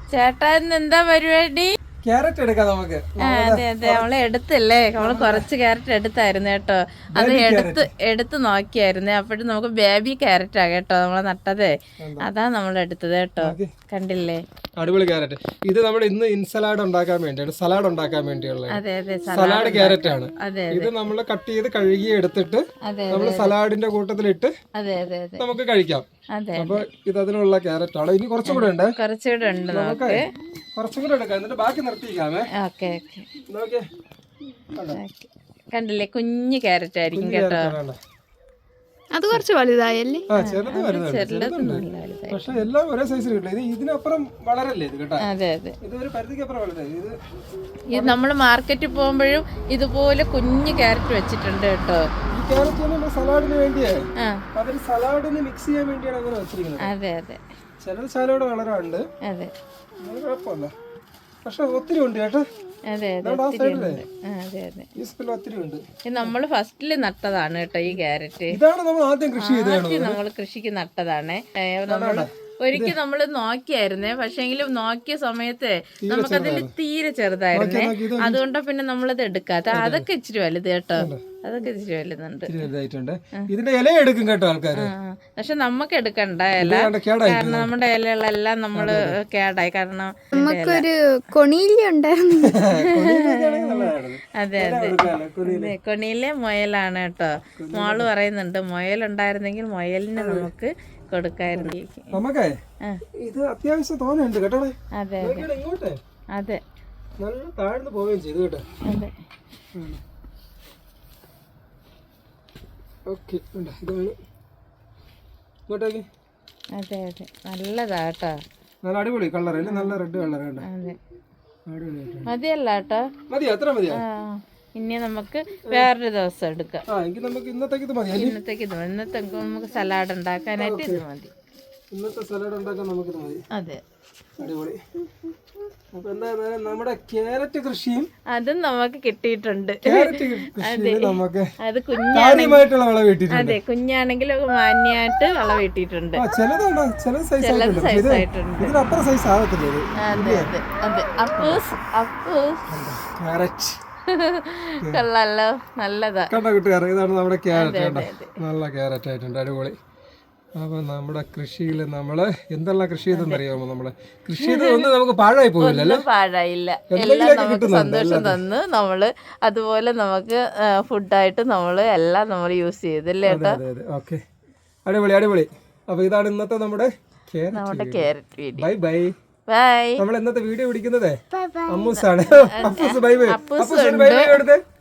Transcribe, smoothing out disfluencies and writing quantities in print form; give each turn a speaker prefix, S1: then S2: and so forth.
S1: ചേട്ടാ ഇന്ന് എന്താ പരിപാടി?
S2: ക്യാരറ്റ് എടുക്കാം നമുക്ക്.
S1: അതെ അതെ, നമ്മള് എടുത്തല്ലേ, നമ്മള് കുറച്ച് ക്യാരറ്റ് എടുത്തായിരുന്നു കേട്ടോ. അത് എടുത്ത് നോക്കിയായിരുന്നേ. അപ്പോഴും നമുക്ക് ബേബി ക്യാരറ്റാ കേട്ടോ നമ്മളെ നട്ടതേ. അതാ നമ്മൾ എടുത്തത് കേട്ടോ. കണ്ടില്ലേ,
S2: അടിപൊളി ക്യാരറ്റ്. ഇത് നമ്മൾ ഇന്ന് ഇൻസലാഡ് ഉണ്ടാക്കാൻ വേണ്ടിയാണ്, സലാഡ് ഉണ്ടാക്കാൻ വേണ്ടിയുള്ള
S1: അതെ അതെ
S2: സലാഡ് ക്യാരറ്റ് ആണ്.
S1: അതെ
S2: ഇത് നമ്മൾ കട്ട് ചെയ്ത് കഴുകി എടുത്തിട്ട് നമ്മൾ സലാഡിന്റെ കൂട്ടത്തിലിട്ട്
S1: അതെ അതെ അതെ
S2: നമുക്ക് കഴിക്കാം. അപ്പൊ ഇത് അതിനുള്ള ക്യാരറ്റ് ആണ്. ഇനി കുറച്ചും കൂടെ ഉണ്ട്,
S1: കുറച്ചുകൂടെ ഉണ്ട്. നമുക്ക്
S2: കുറച്ചും കൂടെ എടുക്കാം, എന്നിട്ട് ബാക്കി നിർത്തിക്കാമേ.
S1: Okay okay. കണ്ടില്ലേ, കുഞ്ഞു ക്യാരറ്റ് ആയിരിക്കും കേട്ടോ.
S3: അത് കുറച്ച് വലുതായല്ലേ?
S2: പക്ഷെ എല്ലാം ഒരേ സൈസിൽ കിട്ടില്ല. ഇത് ഇതിനപ്പുറം വളരല്ലേ ഇത് കേട്ടോ.
S1: അതെ അതെ,
S2: ഇത് ഒരു പരിധിക്കപ്പുറം വളരായി.
S1: ഇത് നമ്മൾ മാർക്കറ്റിൽ പോകുമ്പോഴും ഇതുപോലെ കുഞ്ഞു ക്യാരറ്റ് വെച്ചിട്ടുണ്ട് കേട്ടോ.
S2: ഈ ക്യാരറ്റ് നമ്മൾ സലാഡിന് വേണ്ടിയാണ്, അവര് സലാഡിന് മിക്സ് ചെയ്യാൻ വേണ്ടിയാണ് അങ്ങനെ വെച്ചിരിക്കുന്നത്.
S1: അതെ അതെ,
S2: ചിലത് സലാഡ് വളരാണ്ട്.
S1: അതെ,
S2: കുഴപ്പമില്ല. പക്ഷെ ഒത്തിരി ഉണ്ട് കേട്ടോ.
S1: അതെ അതെ, അതെ അതെ.
S2: ഒത്തിരി ഉണ്ട്.
S1: നമ്മൾ ഫസ്റ്റില് നട്ടതാണ് കേട്ടോ ഈ ക്യാരറ്റ്.
S2: ഇതാണ് നമ്മൾ ആദ്യം കൃഷി ചെയ്തത്.
S1: നമ്മൾ കൃഷിക്ക് നട്ടതാണ്. നമ്മൾ ഒരിക്കൽ നമ്മള് നോക്കിയായിരുന്നേ, പക്ഷെങ്കിലും നോക്കിയ സമയത്ത് നമുക്കതിൽ തീരെ ചെറുതായിരുന്നേ. അതുകൊണ്ട് പിന്നെ നമ്മളത് എടുക്കാത്ത. അതൊക്കെ ഇച്ചിരി വലുത് കേട്ടോ, അതൊക്കെ ഇച്ചിരി വലുതുണ്ട്.
S2: ഇതിന്റെ ഇല എടുക്കും കേട്ടോ ആൾക്കാര്.
S1: പക്ഷെ നമുക്ക് എടുക്കണ്ട ഇല, കാരണം നമ്മുടെ ഇലകളെല്ലാം നമ്മള് കേടായി. കാരണം
S3: നമുക്കൊരു കൊണിയില ഉണ്ടായിരുന്നു.
S1: അതെ അതെ, കൊണിയിലെ മുയലാണ് കേട്ടോ. മോള് പറയുന്നുണ്ട് മുയലുണ്ടായിരുന്നെങ്കിൽ മുയലിന് നമുക്ക് കൊടുക്കായിരുന്നു.
S2: നമുക്കേ ഇത് അത്യാവശ്യം തോന്നുന്നുണ്ട് കേട്ടോ.
S1: അതെ
S2: ഇങ്ങോട്ടെ
S1: അതെ,
S2: നല്ല താഴ്ന്നു പോവുകയും ചെയ്തു കേട്ടോ.
S1: അതെ
S2: ഓക്കെ, ഇതാണ് ഇങ്ങോട്ടേക്ക്.
S1: അതെ അതെ, നല്ലതാ കേട്ടോ.
S2: നല്ല അടിപൊളി കളർ അല്ലേ, നല്ല റെഡ് കളർ കേട്ടോ.
S1: അതെ,
S2: അടിപൊളിയായിട്ട്
S1: മതിയല്ല കേട്ടോ.
S2: മതിയോ? എത്ര മതിയോ?
S1: ഇനി നമുക്ക് വേറൊരു ദിവസം എടുക്കാം.
S2: ഇന്നത്തേക്ക് ഇത് മതി.
S1: ഇന്നത്തെ നമുക്ക് സലാഡ് ഉണ്ടാക്കാനായിട്ട് ഇത് മതി.
S2: ഇന്നത്തെ സലാഡ് ഉണ്ടാക്കാൻ നമുക്കിത് മതി.
S1: അതെ,
S2: അടിപൊളി. അപ്പൊ എന്തായാലും നമ്മുടെ ക്യാരറ്റ് കൃഷിയും
S1: അതും നമുക്ക് കിട്ടിയിട്ടുണ്ട്.
S2: നമുക്ക്
S1: അത്
S2: കാര്യമായിട്ടുള്ള വിളവ് കിട്ടിയിട്ടുണ്ട്.
S1: അതെ, കുഞ്ഞാണെങ്കിലും മാന്യായിട്ട് വിളവ് കിട്ടിയിട്ടുണ്ട്.
S2: ചിലതുണ്ടോ, ചില സൈസ് ആയിട്ടുണ്ട്. ഇതിനപ്പുറം സൈസ് ആകത്തില്ല.
S1: അതെ അതെ അതെ, അപ്പൂസ്
S2: ക്യാരറ്റ്
S1: കൊള്ളാലോ, നല്ലതാ.
S2: കണ്ടോ കൂട്ടുകാരെ, ഇതാണ് നമ്മുടെ ക്യാരറ്റ് കേട്ടോ. നല്ല ക്യാരറ്റ് ആയിട്ടുണ്ട്, അടിപൊളി. അപ്പൊ നമ്മുടെ കൃഷിയിൽ നമ്മള് എന്തെല്ലാം കൃഷി ചെയ്തെന്നറിയാമോ? നമ്മള് കൃഷി ചെയ്തൊന്നും നമുക്ക് പാഴായി പോയില്ലല്ലോ.
S1: പാഴായില്ല, എല്ലാം നമുക്ക് സന്തോഷം തന്ന് നമ്മള് അതുപോലെ നമുക്ക് ഫുഡായിട്ട് നമ്മള് എല്ലാം നമ്മൾ യൂസ് ചെയ്തല്ലേ കേട്ടോ.
S2: ഓക്കെ, അടിപൊളി അടിപൊളി. അപ്പൊ ഇതാണ് ഇന്നത്തെ നമ്മുടെ
S1: carrot video.
S2: Bye bye.
S1: Bye.
S2: നമ്മൾ ഇന്നത്തെ വീഡിയോ പിടിക്കുന്നത് അമ്മൂസാണ്. Appoos bye bye.
S1: അപ്പൂസ്